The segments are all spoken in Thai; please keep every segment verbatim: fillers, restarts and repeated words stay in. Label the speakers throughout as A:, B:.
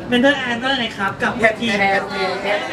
A: เมนเทอร์แอนก็เลยครับกับ
B: แพนทีแพนทีแพน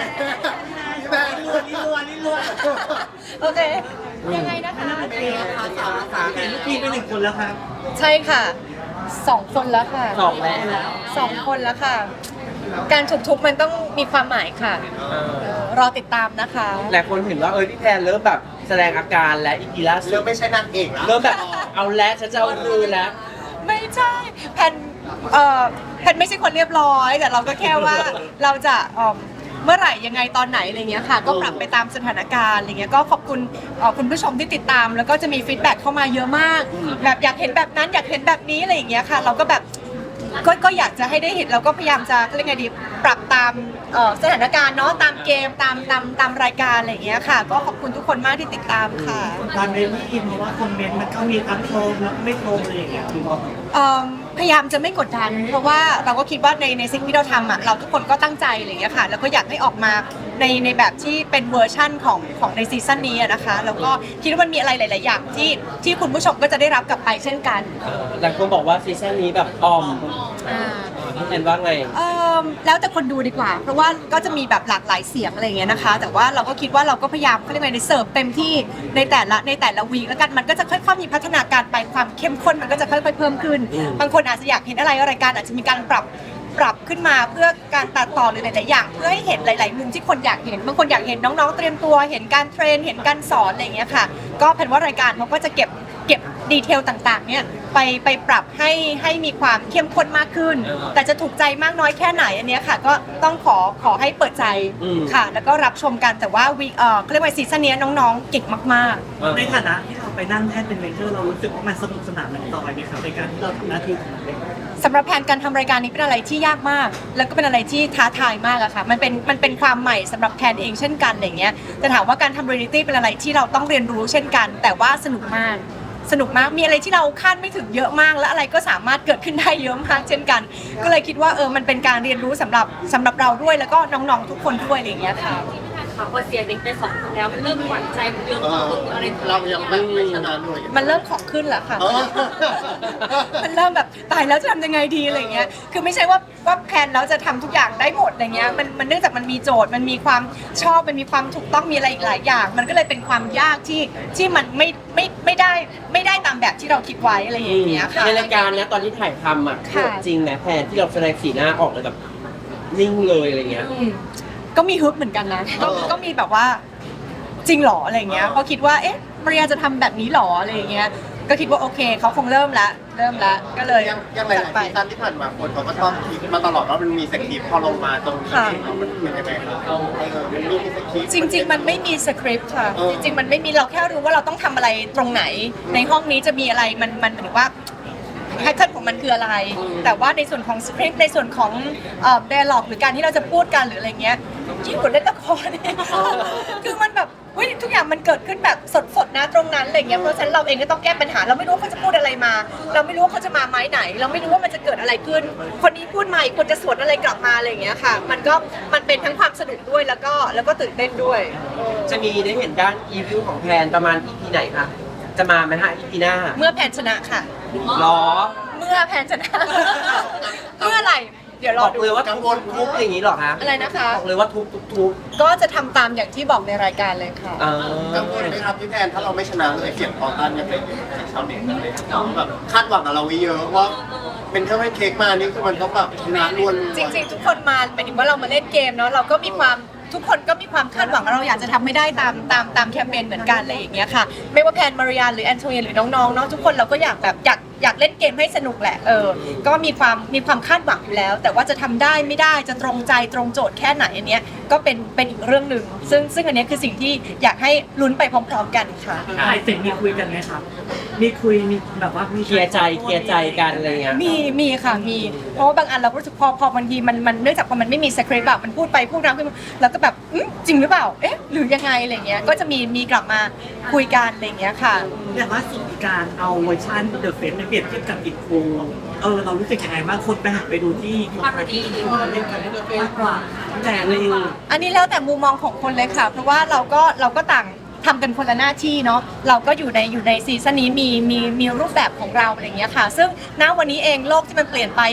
A: นี่รัวนี่รัว
C: โอเคยังไงนะคะ
A: เห็นลูกทีมไปหนึ่งคนแล้วครับ
C: ใช่ค่ะสองคนแล้วค่ะ
B: สองแล้ว
C: สองคนแล้วค่ะ การถูกทุบมันต้องมีความหมายค่ะเออรอติดตามนะคะ
B: หลายคนเห็นว่าเออพี่แพนเริ่มแบบแสดงอาการและอีกีล่าสุด
D: เริ่มไม่ใช่นางเอกแล้ว
B: เริ่มแบบเอาแล้วฉันจะเอาคืนแล้ว
C: ไม่ใช่แพนเอ่อแพนไม่ใช่คนเรียบร้อยแต่เราก็แค่ว่าเราจะเอ่อเมื่อไหร่ยังไงตอนไหนอะไรเงี้ยค่ะก็ปรับไปตามสถานการณ์อะไรเงี้ยก็ขอบคุณเอ่อคุณผู้ชมที่ติดตาม แล้วก็จะมีฟีดแบ็กเข้ามาเยอะมากแบบอยากเห็นแบบนั้นอยากเห็นแบบนี้อะไรอย่างเงี้ยค่ะเราก็แบบก็ก็อยากจะให้ได้เห็นเราก็พยายามจะเรียกไงดีปรับตามเอ่อสถานการณ์เนาะตามเกมตามตามตามรายการอะไรอย่างเงี้ยค่ะก็ขอบคุณทุกคนมากที่ติดตามค่ะ
A: ตอนเมนที่อินเพราะว่าคอมเมนต์มันก็มีทั้งโทรมแล้วไม่โทรมอะไรอย่างเงี้ย
C: เอิ่มพยายามจะไม่กดดันเพราะว่าเราก็คิดว่าในในสิ่งที่เราทำอ่ะเราทุกคนก็ตั้งใจอะไรอย่างเงี้ยค่ะแล้วก็อยากให้ออกมาในในแบบที่เป็นเวอร์ชั่นของของในซีซั่นนี้อะนะคะแล้วก็คิดว่ามันมีอะไรหลาย ๆ อย่างที่ที่คุณผู้ชมก็จะได้รับกลับไปเช่นกัน
B: หลายคนบอกว่าซีซั่นนี้แบบออม
C: อ่า
B: พี่แพนว่าไง
C: เอิ่มแล้วแต่คนดูดีกว่า เพราะว่าก็จะมีแบบหลากหลายเสียงอะไรอย่างเงี้ยนะคะ แต่ว่าเราก็คิดว่าเราก็พยายามเขาเรียกว่าในเสิร์ฟเต็มที่ในแต่ละในแต่ละวีคแล้วกันมันก็จะค่อยๆมีพัฒนาการไปความเข้มข้นมันก็จะค่อยๆเพิ่มขึ้น
B: อืม
C: บางคนอาจจะอยากเห็นอะไรรายการอาจจะมีการปรับปรับขึ้นมาเพื่อการตัดต่อหรือหลายๆอย่าง เพื่อให้เห็นหลายๆมุมที่คนอยากเห็นบางคนอยากเห็นน้องๆเตรียมตัวเห็นการเทรนเห็นการสอนอะไรอย่างเงี้ยค่ะก็แผนว่ารายการเขาก็จะเก็บเก็บดีเทลต่างๆเนี่ยไปไปปรับให้ให้มีความเข้มข้นมากขึ้น แต่จะถูกใจมากน้อยแค่ไหนอันเนี้ยค่ะก็ต้องขอขอให้เปิดใจ
B: อืม
C: ค่ะ แล้วก็รับชมกันแต่ว่าวีเอ่อเขาเรียกว่าซีซั่นนี้น้องๆเก่งมากๆ
A: ในฐานะที่เราไปนั่งแท่นเป็นเมนเทอร์เรารู้สึกว่ามันสนุกสนานมันต่อยไหมครับในการที่เราทำหน้าที่ของเราเอง
C: สำหรับแผนการทำรายการนี้เป็นอะไรที่ยากมาก แล้วก็เป็นอะไรที่ท้าทายมากอะค่ะ มันเป็นมันเป็นความใหม่สำหรับแพนเองเช่นกันอะไรเงี้ยแต่ถามว่าการทำเรียลิตี้เป็นอะไรที่เราต้องเรียนรู้เช่นกัน แต่ว่าสนุกมาก สนุกมาก มีอะไรที่เราคาดไม่ถึงเยอะมาก และอะไรก็สามารถเกิดขึ้นได้เยอะมากเช่นกัน ก็เลยคิดว่าเออ มันเป็นการเรียนรู้สำหรับสำหรับเราด้วย แล้วก็น้องๆทุกคนด้วยอะไรเงี้ยค่ะ
E: ค่ะพอเสียเด็กไปสองคนแล้วมันเริ่มหวั่นใจมันเริ่ม
D: เออ
E: ตึงอะไร
D: เรายังไม่ไม่ชนะเลย
C: มันเริ่มของขึ้นแล้วค่ะ
D: เออ
C: มันเริ่มแบบตายแล้วจะทำยังไงดีอะไรเงี้ย คือไม่ใช่ว่าว่าแพลนแล้วจะทำทุกอย่างได้หมดอะไรเงี้ย มันมันเนื่องจากมันมีโจทย์ มันมีความชอบ มันมีความถูกต้อง มีอะไรอีกหลายอย่าง มันก็เลยเป็นความยากที่ที่มันไม่ไม่ไม่ได้ไม่ได้ตามแบบที่เราคิดไว้อะไรอย่างเงี้ยค่ะ
B: ในรายการนะตอนที่ถ่ายทำอ่ะ
C: ค่ะ
B: จริงนะแพนที่เราแสดงสีหน้าออกเลยแบบนิ่งเลยอะไรเงี้ย
C: อืมก็มีฮึบเหมือนกันนะ ก็
D: เออ
C: ก็มีแบบว่าจริงเหรออะไรเงี้ยเพราะคิดว่าเอ๊ะมาริยาจะทำแบบนี้เหรออะไรเงี้ย ก็คิดว่าโอเคเขาคงเริ่มละเริ่มละก็เลย
D: ยังยังหลาย
C: จัด
D: ๆ
C: ไป
D: ซีซั่นที่ผ่านมาคนเขาก็ชอบคิดมาตลอดว่ามันมีสคริปต์พอลงมาตรงนี้
C: ค่ะ
D: มันเป็นยังไงครับเออมันมีสคริปต์
C: จริง ๆ มันไม่มีสคริปต์ค่ะ
D: เออ
C: จริง ๆ มันไม่มีเราแค่รู้ว่าเราต้องทำอะไรตรงไหน ในห้องนี้จะมีอะไรมันมันหมายถึงว่าแพทเทิร์นของมันคืออะไร แต่ว่าในส่วนของสคริปต์ในส่วนของเอ่อ dialogue หรือการที่เราจะพูดกันหรืออะไรเงี้ยยิ่งกว่าเล่นละครเนี่ยคือมันแบบเฮ้ยทุกอย่างมันเกิดขึ้นแบบสดๆนะตรงนั้นอะไรเงี้ยเพราะฉะนั้นเราเองก็ต้องแก้ปัญหา เราไม่รู้ว่าเขาจะพูดอะไรมา เราไม่รู้ว่าเขาจะมาไม้ไหน เราไม่รู้ว่ามันจะเกิดอะไรขึ้น คนนี้พูดมาอีกคนจะสวนอะไรกลับมาอะไรอย่างเงี้ยค่ะ มันก็มันเป็นทั้งความสนุกด้วยแล้วก็แล้วก็ตื่นเต้นด้วย
B: จะมีได้เห็นด้านอีวิวของแพนประมาณ อี พี ไหนคะจะมาไหมฮะ อี พี หน้า
C: เมื่อแพนชนะค่ะ
B: หรอ
C: เมื่อแพนชนะ เมื่อไหร่เดี๋ยวร
B: บ
C: อ
B: อก
C: ดู
B: เลยว่าทุบทุบอย่างนี้หรอคะ
C: อะไรนะคะ
B: บอกเลยว่าทุบทุบทุบ
C: ก็จะทำตามอย่างที่บอกในรายการเลยค่ะ
B: เอ
D: กังวลไหมครับพี่แทนถ้าเราไม่ชนะเลยเสียงต่อต้านยังเป็นอยู่จากชาวเน็ตเลยแบบคาดหวังกับเราไว้เยอะว่าเป็นแค่ให้เค้กมานี่คือมันต้องแบบชนะรวน
C: จริงๆ ทุกคนมาหมายถึงว่าเรามาเล่นเกมเนาะเราก็มีความทุกคนก็มีความคาดหวังว่าเราอยากจะทำให้ได้ตามตามตามแคมเปญเหมือนกันอะไรอย่างเงี้ยค่ะ ไม่ว่าแพนมาริยาหรือแอนโทเนียหรือน้องๆเนาะทุกคนเราก็อยากแบบอยากอยากเล่นเกมให้สนุกแหละเออก็มีความมีความคาดหวังอยู่แล้ว แต่ว่าจะทำได้ไม่ได้จะตรงใจตรงโจทย์แค่ไหนอันเนี้ยก็เป็นเป็นอีกเรื่องหนึ่งซึ่งซึ่งอันเนี้ยคือสิ่งที่อยากให้ลุ้นไปพร้อมๆกันค่ะ
A: ถ่ายเสร็จมีคุยกันไหมครับ มีคุยมีแบบว่ามี
B: เคลียร์ใจเคลียร์ใจกันอะไรเงี้ย
C: มีมีค่ะมีเพราะว่าบางอันเราก็รู้สึกพอพอบางทีมันมันเนื่องจากพอมันไม่มีสคริปต์แบบมันพูดไปพูดมาขึ้นมาแล้วก็แบบอืมจริงหรือเปล่าเอ๊ะหรือยังไงอะไรเงี้ยก็จะมีมีกลับมาคุยกันอะไรเงี้ยค่ะ
A: อย่างว่าสุดการเอาเวอร์ชันเดอะเฟสในเปรียบเทียบกับอินโฟเออเรารู้สึกยังไงบ้างคนไปหันไปดูที่คนที่เล่นกันมากกว่าแต่เลย
C: อันนี้แล้วแต่มุมมองของคนเลยค่ะ เพราะว่าเราก็เราก็ต่างทำกันคนละหน้าที่เนาะเราก็อยู่ในอยู่ในซีซั่นนี้มีมีมีรูปแบบของเราอะไรเงี้ยค่ะ ซึ่งณวันนี้เองโลกที่มันเปลี่ยนไป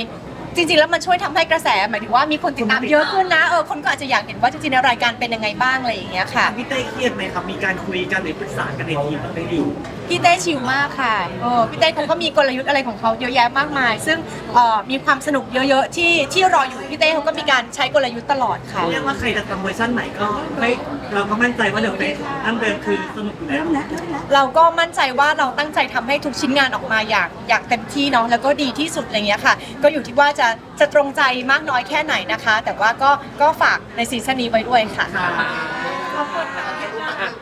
C: จริงๆแล้วมันช่วยทำให้กระแสหมายถึงว่ามีคนติดตามเยอะขึ้นนะเออคนก็อาจจะอยากเห็นว่าจริงๆแล้วรายการเป็นยังไงบ้างอะไรอย่างเงี้ยค่ะ
A: พี่เต้เครียดไหมครับมีการคุยกันหรือปรึกษากันในทีมบ้างไหมดิว
C: พี่เต้ชิลมากค่ะเออพี่เต้เขาก็มีกลยุทธ์อะไรของเขาเยอะแยะมากมาย ซึ่งเอ่อมีความสนุกเยอะๆที่ที่รออยู่พี่เต้เขาก็มีการใช้กลยุทธ์ตลอดค่ะ
A: เรียกว่าใครจะทำเวอร์ชันไหนก็ไม่เราก็มั่นใจว่าเดี๋ยวเป็นอันเดิมคือสนุกอยู่แล้ว
C: เราก็มั่นใจว่าเราตั้งใจทำให้ทุกชิ้นงานออกมาอย่างอย่างเต็มที่เนาะแล้วก็ดีที่สุดอะไรเงี้ยค่ะ ก็อยู่ที่ว่าจะจะตรงใจมากน้อยแค่ไหนนะคะ แต่ว่าก็ก็ฝากในซีซั่นนี้ไว้ด้วยค่ะ
A: ค่ะ
C: ขอบคุณค่ะ